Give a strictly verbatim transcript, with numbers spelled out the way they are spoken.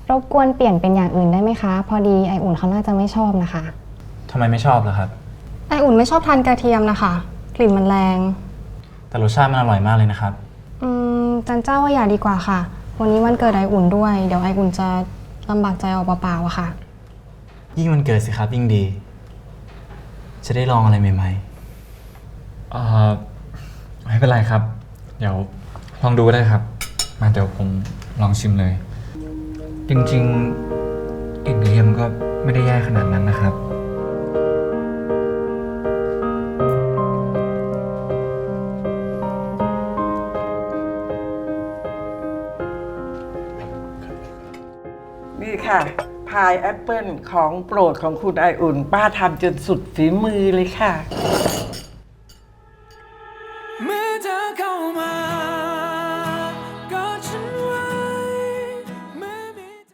รบกวนเปลี่ยนเป็นอย่างอื่นได้ไหมคะ พอดีไออุ่นเขาน่าจะไม่ชอบนะคะทำไมไม่ชอบล่ะครับไออุ่นไม่ชอบทานกระเทียมนะคะ กลิ่นมันแรงแต่รสชาติมันอร่อยมากเลยนะครับอืมจันเจ้าว่าอย่าดีกว่าค่ะ วันนี้วันเกิดไออุ่นด้วย เดี๋ยวไออุ่นจะลำบากใจเอาเปล่าๆอะค่ะยิ่งมันเกิดสิครับยิ่งดี จะได้ลองอะไรใหม่เอ่อไม่เป็นไรครับ เดี๋ยวลองดูได้ครับ มาเดี๋ยวผมลองชิมเลย จริงๆกลิ่นกระเทียมก็ไม่ได้แย่ขนาดนั้นนะครับนี่ค่ะ พายแอปเปิลของโปรดของคุณไออุ่น ป้าทำจนสุดฝีมือเลยค่ะ